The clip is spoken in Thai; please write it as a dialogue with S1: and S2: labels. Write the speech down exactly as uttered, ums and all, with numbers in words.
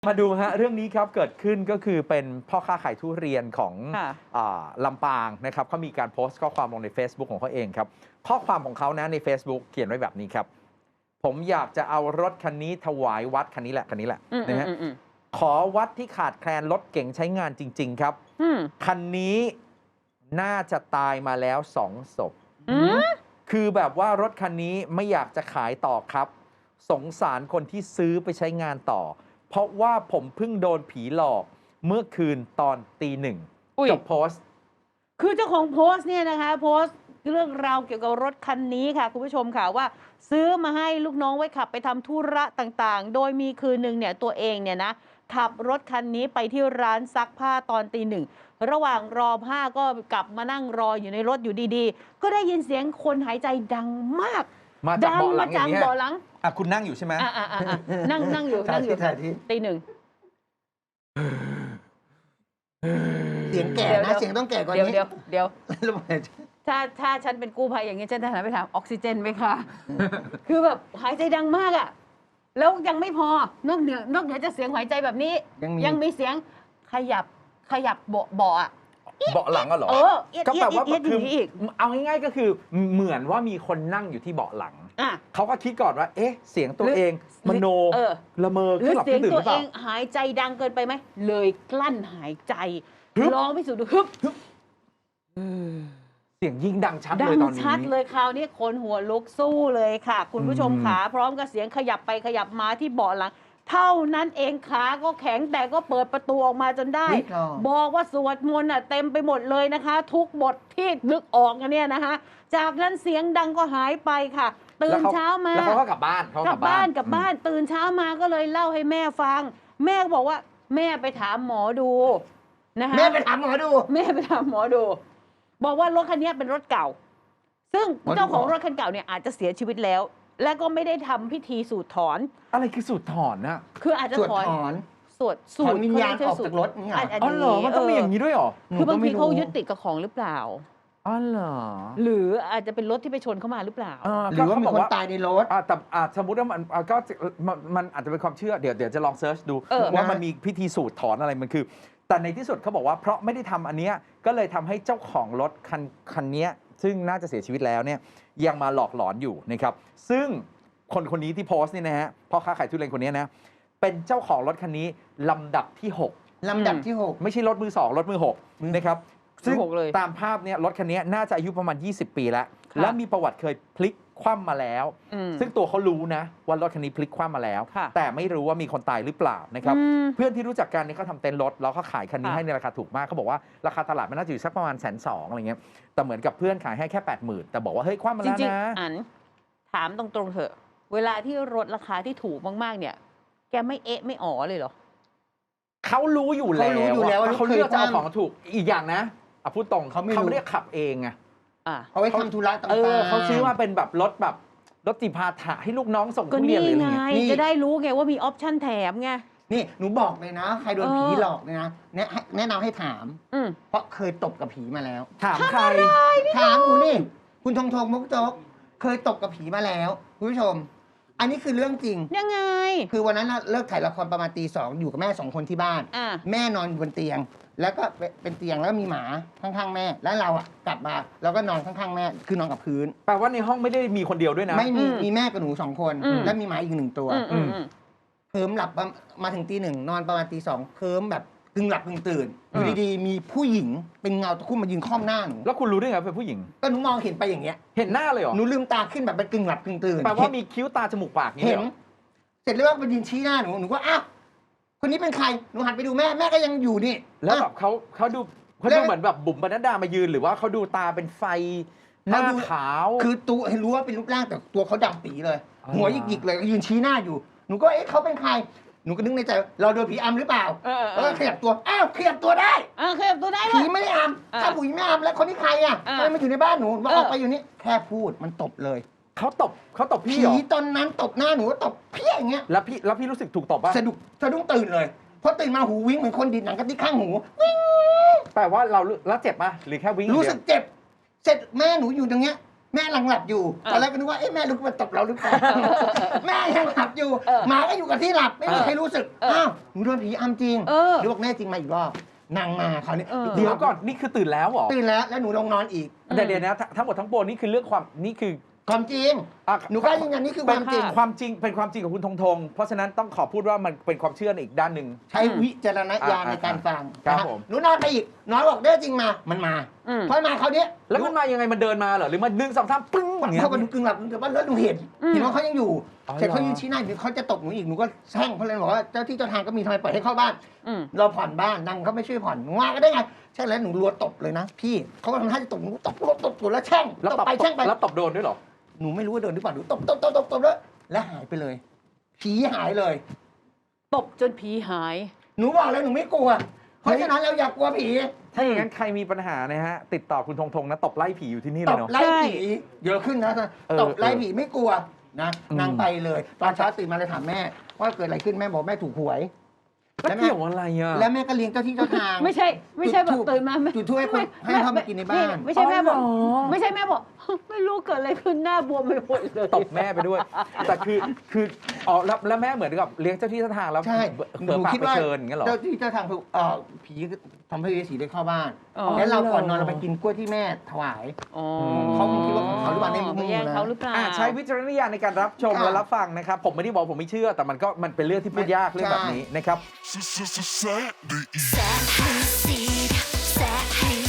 S1: มาดูฮะเรื่องนี้ครับเกิดขึ้นก็คือเป็นพ่อค้าขายทุเรียนของลำปางนะครับเขามีการโพสต์ข้อความลงใน Facebook ของเขาเองครับข้อความของเขานะใน Facebook เขียนไว้แบบนี้ครับผมอยากจะเอารถคันนี้ถวายวัดคันนี้แหละคันนี้แหละนะฮะขอวัดที่ขาดแคลนรถเก๋งใช้งานจริงๆครับคันนี้น่าจะตายมาแล้วสองศพคือแบบว่ารถคันนี้ไม่อยากจะขายต่อครับสงสารคนที่ซื้อไปใช้งานต่อเพราะว่าผมเพิ่งโดนผีหลอกเมื่อคืนตอนตีหนึ่งจบโพสต์
S2: คือเจ้าของโพสต์เนี่ยนะคะโพสต์เรื่องราวเกี่ยวกับรถคันนี้ค่ะคุณผู้ชมค่ะว่าซื้อมาให้ลูกน้องไว้ขับไปทำธุระต่างๆโดยมีคืนหนึ่งเนี่ยตัวเองเนี่ยนะขับรถคันนี้ไปที่ร้านซักผ้าตอนตีหนึ่งระหว่างรอผ้าก็กลับมานั่งรออยู่ในรถอยู่ดีๆก็ได้ยินเสียงคนหายใจดังมาก
S1: มาจากเบาะหลังอย่างนี้
S2: เบาะหลัง
S1: อ่ะคุณนั่งอยู่ใช่ไหม
S2: นั่งนั่งอยู่นั่งอยู่ตีหนึ่ง
S3: เสียงแก่นะเสียงต้องแก่กว่านี้
S2: เดี๋ยวเดี๋ยวถ้าถ้าฉันเป็นกู้ภัยอย่างนี้ฉันจะหันไปถามออกซิเจนไหมคะคือแบบหายใจดังมากอ่ะแล้วยังไม่พอนอกเหนือนอกเหนือจากเสียงหายใจแบบนี้ยังมีเสียงขยับขยับเบาะเบาะอ่ะ
S1: เบาะหลังก็หรอ
S2: เออ
S1: ก็แปลว่าคือเอาง่ายๆก็คือเหมือนว่ามีคนนั่งอยู่ที่เบาะหลังเขาก็คิดก่อนว่าเอ๊ะเสียงตัวเองมโนละเมอขึ้นหลับขึ้นตื่นหรือเปล่าเสียงตัวเอง
S2: หายใจดังเกินไปไหมเลยกลั้นหายใจลองพิสูจน์ดูฮึบ
S1: เสียงยิ่งดังชัดเลยตอนนี้
S2: ดังชัดเลยคราวนี้คนหัวลุกสู้เลยค่ะคุณผู้ชมขาพร้อมกับเสียงขยับไปขยับมาที่เบาะหลังเท่านั้นเองขาก็แข็งแต่ก็เปิดประตูออกมาจนได้บอกว่าสวดมนต์อ่ะเต็มไปหมดเลยนะคะทุกบทที่นึกออกกันเนี่ยนะคะจากนั้นเสียงดังก็หายไปค่ะตื่นเช้ามา
S1: แล้วเขาก็กลับบ้าน
S2: กลับบ้านกลับบ้านตื่นเช้ามาก็เลยเล่าให้แม่ฟังแม่บอกว่าแม่ไปถามหมอดู
S3: นะคะแม่ไปถามหมอดู
S2: แม่ไปถามหมอดูบอกว่ารถคันนี้เป็นรถเก่าซึ่งเจ้าของรถคันเก่าเนี่ยอาจจะเสียชีวิตแล้วและก็ไม่ได้ทำพิธีสูดถอน
S1: อะไรคือสูดถอนนะ
S2: คืออาจจะถอนสวด
S3: สูดวิญญาณออกจากรถนี่
S1: อ๋อเหรอมันต้องมีอย่างนี้ด้วยหรอ
S2: คือบางทีเขายึดติดกับของหรือเปล่า
S1: อ๋อเหรอ
S2: หรืออาจจะเป็นรถที่ไปชนเข้ามาหรือเปล่า
S3: หรือว่ามีคนตายในรถ
S1: แต่สมมติว่ามันก็มันอาจจะเป็นความเชื่อเดี๋ยวเดี๋ยวจะลองเซิร์ชดูว่ามันมีพิธีสูดถอนอะไรมันคือแต่ในที่สุดเขาบอกว่าเพราะไม่ได้ทำอันเนี้ยก็เลยทำให้เจ้าของรถคันคันนี้ซึ่งน่าจะเสียชีวิตแล้วเนี่ยยังมาหลอกหลอนอยู่นะครับซึ่งคนคนนี้ที่โพสต์นี่นะฮะพ่อค้าขายทุเรียนคนนี้นะเป็นเจ้าของรถคันนี้ลำดับที่หก
S3: ลำดับที่หก
S1: ไม่ใช่รถมือสองรถมือหกนะครับซึ่งตามภาพเนี่ยรถคันนี้น่าจะอายุประมาณยี่สิบปีแล้วและมีประวัติเคยพลิกคว่ำมาแล้วซึ่งตัวเขารู้นะว่ารถคันนี้พลิกคว่ำมาแล้วแต่ไม่รู้ว่ามีคนตายหรือเปล่านะครับเพื่อนที่รู้จักกันนี่เขาทำเต็นท์รถแล้วเขาขายคันนี้ให้ในราคาถูกมากเขาบอกว่าราคาตลาดมันน่าจะอยู่สักประมาณแสนสองอะไรเงี้ยแต่เหมือนกับเพื่อนขายให้แค่แปดหมื่นแต่บอกว่าเฮ้ยคว่ำมาแล้วนะ
S2: อันถามตรงๆเถอะเวลาที่รถราคาที่ถูกมากๆเนี่ยแกไม่เอ๊ะไม่อ๋อเลยเหรอ
S1: เขารู้อยู่แล้วเขารู้อยู่แล้วเขาเลือกจะเอาของถูกอีกอย่างนะอ่ะพูดตรงเขาไม่ได้ขับเองไง
S3: เขาไว้ทำธุระต่าง
S1: ๆเขาซื้อมาเป็นแบบรถแบบรถจิพาถะให้ลูกน้องส่งทุเรียนหรืออะไร
S2: เงี้ยจะได้รู้ไงว่ามีออปชั่นแถมไง
S3: นี่หนูบอกเลยนะใครโดนผีหลอกเนี่ยนะแนะนำให้ถามเพราะเคยตบกับผีมาแล้ว
S1: ถามใคร
S3: ถามหนูนี่คุณทงทงมุกโจ๊กเคยตบกับผีมาแล้วคุณผู้ชมอันนี้คือเรื่องจริง
S2: ยังไง
S3: คือวันนั้นเลิกถ่ายละครประมาณตีสองอยู่กับแม่สองคนที่บ้านแม่นอนบนเตียงแล้วก็เป็นเตียงแล้วมีหมาข้างๆแม่แล้วเราอ่ะกลับมาเราก็นอนข้างๆแม่คือนอนกับพื้น
S1: แปลว่าในห้องไม่ได้มีคนเดียวด้วยนะ
S3: ไม่มีมีแม่กับหนูสองคนแล้วมีหมาอีกหนึ่งตัวเคิมหลับมาถึงตีหนึ่งนอนประมาณตีสองเคิมแบบกึ่งหลับกึ่งตื่นอยู่ดีๆมีผู้หญิงเป็นเงาตะคุ่มมายืนค่อมหน้าหนู
S1: แล้วคุณรู้ได้ไงเป็นผู้หญิง
S3: ก็หนูมองเห็นไปอย่างเงี้ย
S1: เห็นหน้าเลยเหรอ
S3: หนูลืมตาขึ้นแบบเป็นกึ่งหลับกึ่งตื่น
S1: แปลว่ามีคิ้วตาจมูกปาก
S3: เห็นเสร็จแล้วก็ไปยืนชี้หน้าหนูหนูก็อ้าวคนนี้เป็นใครหนูหันไปดูแม่แม่ก็ยังอยู่นี่
S1: แล้วแบบเขาเขาดูเขาดูเหมือนแบบบุ๋มปนัดดามายืนหรือว่าเขาดูตาเป็นไฟหน้าขาว
S3: คือตัวเห็นรู้ว่าเป็นรูปร่างแต่ตัวเขาดำปีเลยหัวหยิกๆเลยยืนชี้หน้าอยู่หนูก็เอ๊ะเขาเป็นใครหนูก็นึกในใจเราโดนผีอำหรือเปล่าแล้วก็ขยับตัวอ้าวขยับตัวได้
S2: อ้าวขยับตัวได้
S3: ผีไม่ได้อำถ้าผีไม่อำแล้วคนนี้ใครอ่ะทำไมมาอยู่ในบ้านหนูมาออกไปอยู่นี่แค่พูดมันตบเลย
S1: เขาตบเขาตบพี่เหรอ
S3: ผีตอนนั้นตบหน้าหนูตบพี่อย่างเงี้ย
S1: แล้วพี่แล้วพี่รู้สึกถูกตบป่ะ
S3: สะดุ้งสะดุ้งตื่นเลยพอตื่นมาหูวิ่งเหมือนคนดินหนังกระติกข้างหูวิ่ง
S1: แปลว่าเราแล้วเจ็บป่ะหรือแค่วิ่ง
S3: รู้สึกเจ็บเสร็จแม่หนูอยู่ตรงเนี้ยแม่กำลังหลับอยู่ตอนแรกก็นึกว่าเอ๊ะแม่ลุกมาตบเราหรือเปล่า แม่ยังหลับอยู่หมาก็อยู่กับที่หลับไม่มีใครรู้สึกอ้าวหนูโดนผีอำจริงหรือบอกแน่จริงมาอีกรอบนางมาคราวนี้
S1: เดี๋ยวก่อนนี่คือตื่นแล้วเหรอ
S3: ตื่นแล้วแล้วหนูลงนอนอีก
S1: แต่เดี๋ยวนะทั้งหมดทั้งปวงนี่คือเรื่องความนี่คือ
S3: ความจริง
S1: อ่ะ
S3: หนูกล้ายืนยันนี่คือความจริง
S1: ความจริงเป็นความจริงของคุณธงธงเพราะฉะนั้นต้องขอพูดว่ามันเป็นความเชื่อในอีกด้านหนึ่ง
S3: ใช้วิจารณญาณในการฟัง
S1: ครับ
S3: นะฮะ
S1: ผม
S3: หนูนอนไปอีกน้อยบอกได้จริงมามันมาพอมาคราวนี้
S1: แล้วมันมายังไงมันเดินมาเหรอหรือมันหนึ่งสองสามปึ้งอย่างเงี้ย
S3: เขาก็ดูกึ่งหลับแต่ว่าแล้วหนูเห็นเห็นว่าเขายังอยู่
S1: อ๋อ
S3: เสร็จเขา
S1: เหรอ
S3: ยืนชี้หน้าอยู่เขาจะตบหนูอีกหนูก็แช่งเขาเลยบอกว่าเจ้าที่เจ้าทางก็มีทำไมปล่อยให้เข้าบ้าน
S2: อืม
S3: เราผ่อนบ้านนางเขาไม่ช่วยผ่อนหนูว่าก็ได้ไงใช่แล้วหนูรัวตบเลยนะพี่เขาก็ทำท่าจะตบหนูตบรัวตบตัวแล้วแช่ง
S1: แล้ว
S3: ตบ
S1: ตบ
S3: ไปแช่งไป
S1: แล้วตบโดนด้วยเหรอ
S3: หนูไม่รู้ว่าโดนหรือเปล่าหนูตบตบตบตบตบแล้วแล้วหายไปเลยผีหายเลย
S2: ตบจนผีหาย
S3: หนูบอกเลยหนูไม่กลัว เพราะฉะนั้นเราอย่ากลัวผี
S1: ถ้าอย่างนั้นใครมีปัญหานะฮะติดต่อคุณธงธงนะตบไล่ผีอยู่ที่นี่
S3: ต
S1: เลย
S3: บ
S1: เนาะ
S3: ไล่ผีเยอะขึ้นนะ
S1: เออ
S3: ตบไล่ผีไม่กลัวนะ
S1: อืม
S3: นางไปเลย ตอนเช้าตื่นมาเลยถามแม่ ว่าเกิดอะไรขึ้นแม่บอกแม่ถูกหวย
S1: แล้วเกี่ยวอะไรอ่ะ
S3: แล้วแม่ก็เลี้ยงเจ้าที่เจ้าทาง
S2: ไม่ใช่ไม่ใช่แบบตื่นมา
S3: จุดทูบให้คนให้เข้ามากินในบ้าน
S2: ไม่ใช่แม่บอก
S1: อ๋อเหรอ
S2: ไม่ใช่แม่บอก ไม่รู้เกิดอะไรขึ้นหน้าบวมไปหมดเลย
S1: ตบแม่ไปด้วย แต่คือคืออ๋อแล้วแล้วแม่เหมือนกับเลี้ยงเจ้าที่เจ้าทางแล้ว
S3: ใช่
S1: เผื่อปากไปเชิญอย่างเงี้ยเหรอ
S3: เจ้าที่เจ้าทางคือเอ่อผีทำให้เวสีได้เข้าบ้าน
S2: อ๋อ
S3: แล้วเราก่อนนอนเราไปกินกล้วยที่แม่ถวาย
S2: อ๋อ
S3: เขาคงคิดว่าของเขาหรือเปล่าในมุม
S2: ไปแย่งเขาหรือเปล่า
S1: อ่าใช้วิจารณญาณในการรับชม
S3: ค่ะ
S1: และรับฟังนะครับ ผมไม่ได้บอกผมไม่เชื่อ แต่มันก็มันเป็นเรื่องที่พูดยากเรื่องแบบนี้นะครับ
S4: Sad, sad, sad, sad,